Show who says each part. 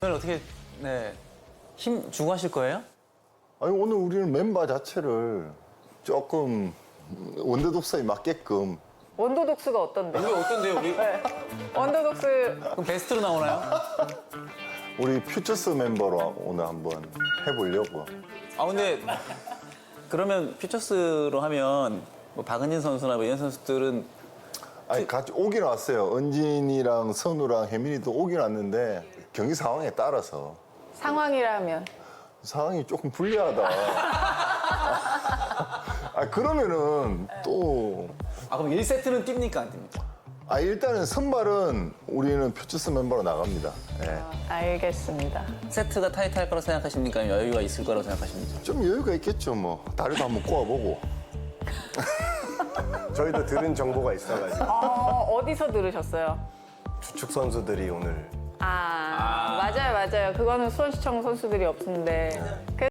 Speaker 1: 오늘 어떻게 힘 주고 하실 거예요?
Speaker 2: 아니 오늘 우리는 멤버 자체를 조금 원더 독서에 맞게끔
Speaker 3: 원더 독스가 어떤데?
Speaker 1: 우리 어떤데요, 우리?
Speaker 3: 원더 독스
Speaker 1: 그럼 베스트로 나오나요?
Speaker 2: 우리 퓨처스 멤버로 오늘 한번 해보려고.
Speaker 1: 아 근데 그러면 퓨처스로 하면 뭐 박은진 선수나 뭐 이런 선수들은
Speaker 2: 아니 같이 오긴 왔어요. 은진이랑 선우랑 혜민이도 오긴 왔는데 경기 상황에 따라서
Speaker 3: 상황이라면
Speaker 2: 상황이 조금 불리하다. 아 그러면은 또
Speaker 1: 그럼 1세트는 뜁니까 안 뜁니까?
Speaker 2: 일단은 선발은 우리는 퓨처스 멤버로 나갑니다. 예.
Speaker 3: 알겠습니다.
Speaker 1: 세트가 타이트할 거라고 생각하십니까? 아니면 여유가 있을 거라고 생각하십니까?
Speaker 2: 좀 여유가 있겠죠 뭐. 다리도 한번 꼬아보고.
Speaker 4: 저희도 들은 정보가 있어가지고
Speaker 3: 어디서 들으셨어요?
Speaker 4: 주축 선수들이 오늘
Speaker 3: 맞아요. 그거는 수원시청 선수들이 없는데